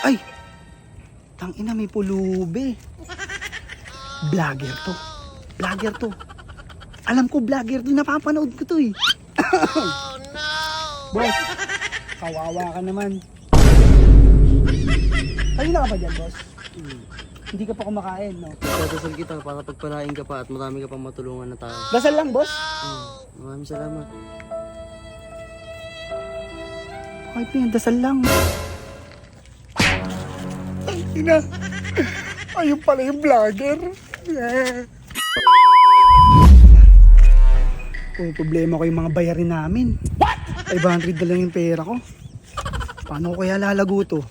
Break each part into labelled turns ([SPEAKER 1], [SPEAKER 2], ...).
[SPEAKER 1] Ay! Tangina, may pulubi. Vlogger to. Vlogger to. Alam ko vlogger to. Napapanood ko to eh. Oh no! Boss, kawawa ka naman. Kanina ka pa dyan, boss? Hindi ka pa kumakain, no?
[SPEAKER 2] Dadasal kita para pagpalain ka pa at marami ka pang matulungan na tao.
[SPEAKER 1] Dasal lang, boss?
[SPEAKER 2] Maraming salamat.
[SPEAKER 1] Ay, dasal lang. Ay, ina. Ayun pala yung vlogger. Kung problema ko yung mga bayarin namin. What? 500 na lang yung pera ko. Paano ko kaya lalago to?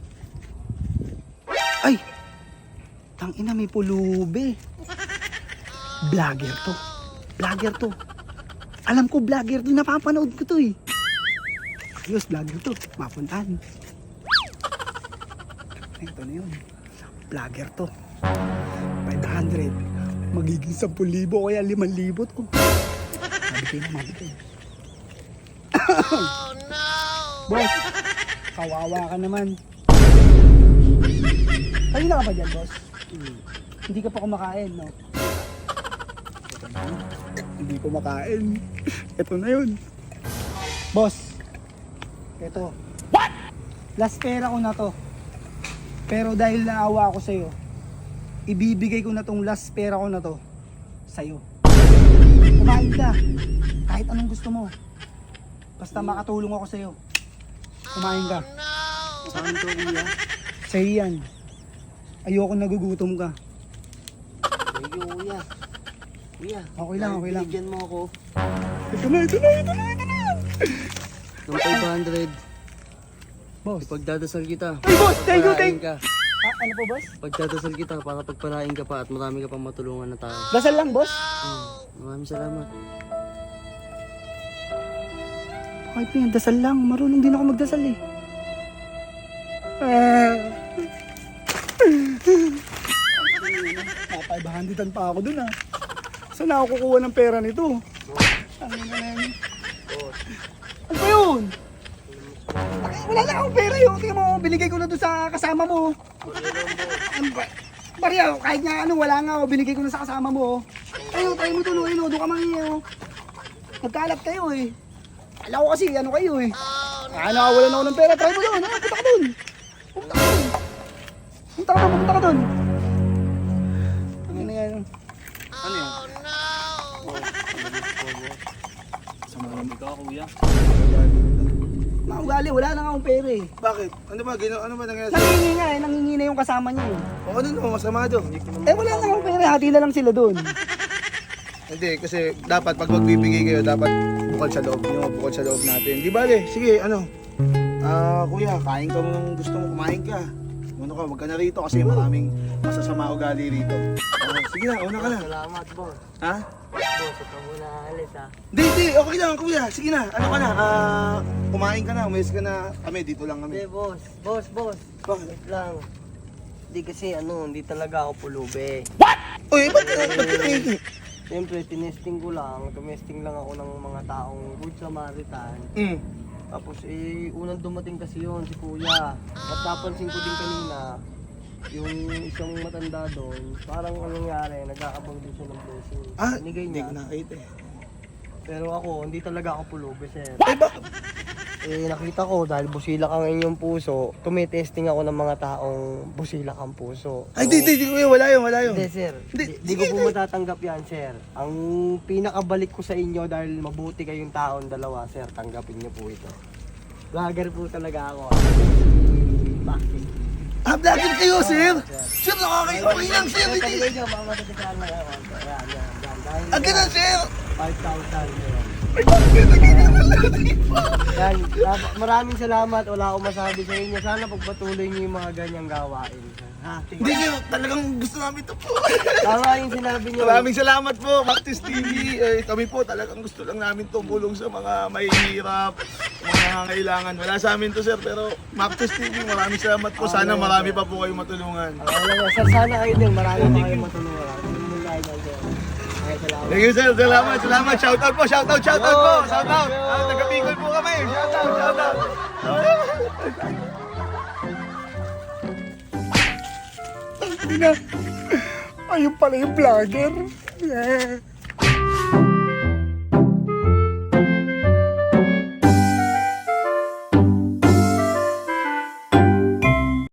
[SPEAKER 1] Ay! Tangina, may pulubi. Vlogger to. Vlogger to. Alam ko vlogger to. Napapanood ko to eh. Ayos, vlogger to. Mapuntahan. Ito na yun. Vlogger to. 500. Magiging 10,000 kaya 5,000 to. Mabigay na, mabigay. Oh no! Boss, kawawa ka naman. Kanina ka pa dyan, boss? Hindi ka pa kumakain, no? Hindi kumakain. Ito na yun. Boss, ito. What? Last pera ko na to. Pero dahil naawa ako sa'yo, ibibigay ko na tong last pera ko na to sa'yo. Kumain ka. Kahit anong gusto mo. Basta makatulong ako sa'yo. Kumain ka.
[SPEAKER 2] Saan to, kuya?
[SPEAKER 1] Sa'yo yan. Ayoko nagugutom ka.
[SPEAKER 2] Thank you, kuya. Kuya,
[SPEAKER 1] Okay lang, okay lang.
[SPEAKER 2] binigyan mo ako
[SPEAKER 1] Ito na, ito na, ito na, ito na.
[SPEAKER 2] ng 500.
[SPEAKER 1] Boss.
[SPEAKER 2] Ipagdadasal kita.
[SPEAKER 1] Ay, boss! Thank you,
[SPEAKER 2] Pagpalain
[SPEAKER 1] thank
[SPEAKER 2] ka.
[SPEAKER 1] Ano po, boss?
[SPEAKER 2] Pagdadasal kita para pagpalain ka pa at marami ka pang matulungan na tao.
[SPEAKER 1] Dasal lang, boss?
[SPEAKER 2] Maraming salamat.
[SPEAKER 1] Okay, dasal lang. Marunong din ako magdasal eh. Napaibahanditan pa ako dun ah. Saan ako kukuha ng pera nito? Ano ba yun? Wala na akong pera yun. Tingnan mo, binigay ko na doon sa kasama mo. Ano ba? Barya, kahit nga ano, wala nga ako. Binigay ko na sa kasama mo. Ayun, tayo mo tuloy. Doon ka mangingi. Nagkalat kayo eh. Alam ko kasi, ano kayo eh. Nakawalan ako ng pera. Try mo doon. Punta ka doon. Punta ka doon. Punta ka doon. Punta ka doon. Ano yan? Ano yan?
[SPEAKER 2] Samahan ka, kuya.
[SPEAKER 1] Maugali, wala na akong pera eh.
[SPEAKER 3] Bakit? Ano ba? Ano ba nangyari?
[SPEAKER 1] Nangingi nga eh. Nangingi na yung kasama niya eh.
[SPEAKER 3] O ano no? Masama doon.
[SPEAKER 1] Eh wala na akong pera. Hati na lang sila doon.
[SPEAKER 3] Hindi, kasi dapat pag magbibigay kayo, dapat bukod sa loob nyo, bukod sa loob natin. Di bale, sige, ano? Kuya, kain ka mo nung gusto mo, kumain ka. Ano ka, wag ka na rito kasi maraming masasama ugali rito. Sige na, una ka na.
[SPEAKER 2] Salamat, boss.
[SPEAKER 3] Ha?
[SPEAKER 2] Boss, ito muna alis, ha?
[SPEAKER 3] Hindi, okay lang kuya. Sige na, ano ka na? Kumain ka na, umayos ka na. Kami, dito lang
[SPEAKER 2] Hindi,
[SPEAKER 3] kami.
[SPEAKER 2] boss. Boss.
[SPEAKER 3] Bakit?
[SPEAKER 2] Wait lang. Hindi kasi, hindi talaga ako pulubi.
[SPEAKER 3] Uy, ba't tiniki?
[SPEAKER 2] Siyempre, tinesting ko lang. Tumesting lang ako ng mga taong good Samaritan. Tapos unang dumating kasi yun, si kuya. At napansin ko din kanina, yung isang matanda doon, parang anong nangyari, nagkakabang din siya ng blessing. Binigay
[SPEAKER 3] Hindi
[SPEAKER 2] niya.
[SPEAKER 3] ko nakita eh.
[SPEAKER 2] Pero ako, hindi talaga ako pulubi, sir.
[SPEAKER 3] Eh, bakit?
[SPEAKER 2] Nakita ko, dahil busilak ang inyong puso, tumitesting ako ng mga taong busilak ang puso.
[SPEAKER 3] Ay, di kuya, wala yun.
[SPEAKER 2] Hindi, sir. Hindi ko po matatanggap yan, sir. Ang pinakabalik ko sa inyo dahil mabuti kayong taon dalawa, sir, tanggapin niyo po ito. Vlogger po talaga ako. Bakit?
[SPEAKER 3] Vlogger kayo, sir? Sir, okay lang, sir.
[SPEAKER 2] Sir, tanggapin niyo, mga matatikaan lang ako. Yan.
[SPEAKER 3] Ang ganun, sir.
[SPEAKER 2] 5,000, sir.
[SPEAKER 3] Ay, bakit?
[SPEAKER 2] Yan, maraming salamat. Wala akong masabi sa inyo. Sana pagpatuloy niyo yung mga ganyang gawain. Ha?
[SPEAKER 3] Hindi, sir. Talagang gusto namin ito po.
[SPEAKER 2] Tama yung sinabi niyo.
[SPEAKER 3] Maraming salamat po, Mactis TV. Kami po talagang gusto lang namin tumulong sa mga mahihirap, mga nangangailangan. Wala sa amin to, sir, pero Mactis TV, maraming salamat po. Sana marami pa po kayong matulungan.
[SPEAKER 2] Sana kayo din. Marami pa kayong matulungan.
[SPEAKER 3] Thank you, sir. Salamat. Shoutout po. Shoutout po. Taga-Bicol po kami. Shoutout.
[SPEAKER 1] na. Ayun pala yung vlogger.